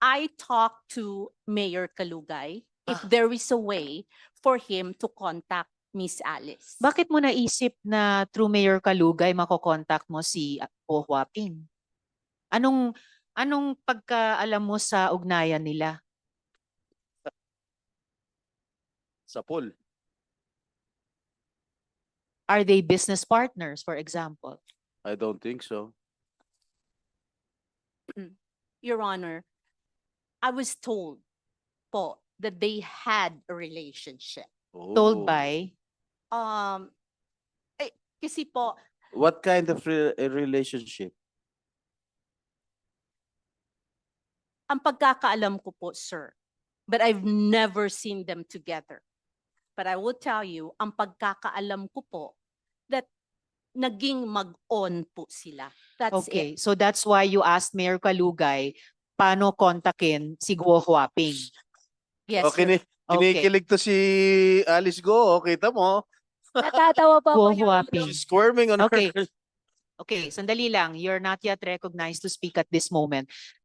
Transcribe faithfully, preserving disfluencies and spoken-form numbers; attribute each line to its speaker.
Speaker 1: I talked to Mayor Kalugay if
Speaker 2: Ah.
Speaker 1: there is a way for him to contact Miss Alice.
Speaker 3: Bakit mo naisip na through Mayor Kalugay makokontakt mo si Go Huaping? Anong anong pagkaalam mo sa ugnayan nila?
Speaker 2: Sa pool.
Speaker 3: Are they business partners, for example?
Speaker 2: I don't think so.
Speaker 1: Your Honor, I was told po that they had a relationship.
Speaker 3: Told
Speaker 2: Oh.
Speaker 3: by?
Speaker 1: Um, eh, kasi po,
Speaker 2: What kind of re- a relationship?
Speaker 1: ang pagkakaalam ko po, sir, but I've never seen them together. But I will tell you, ang pagkakaalam ko po, that naging mag-on po sila. That's
Speaker 3: Okay,
Speaker 1: it.
Speaker 3: so that's why you asked Mayor Kalugay paano kontakin si Go Huaping.
Speaker 1: Yes,
Speaker 2: O,
Speaker 1: sir.
Speaker 2: kini- kinikilig to si Alice Go. O, kita mo.
Speaker 4: Natatawa pa
Speaker 3: Go
Speaker 4: ako, Your Honor.
Speaker 3: Huaping.
Speaker 2: She's squirming on
Speaker 3: Okay.
Speaker 2: her.
Speaker 3: Okay, sandali lang. You're not yet recognized to speak at this moment.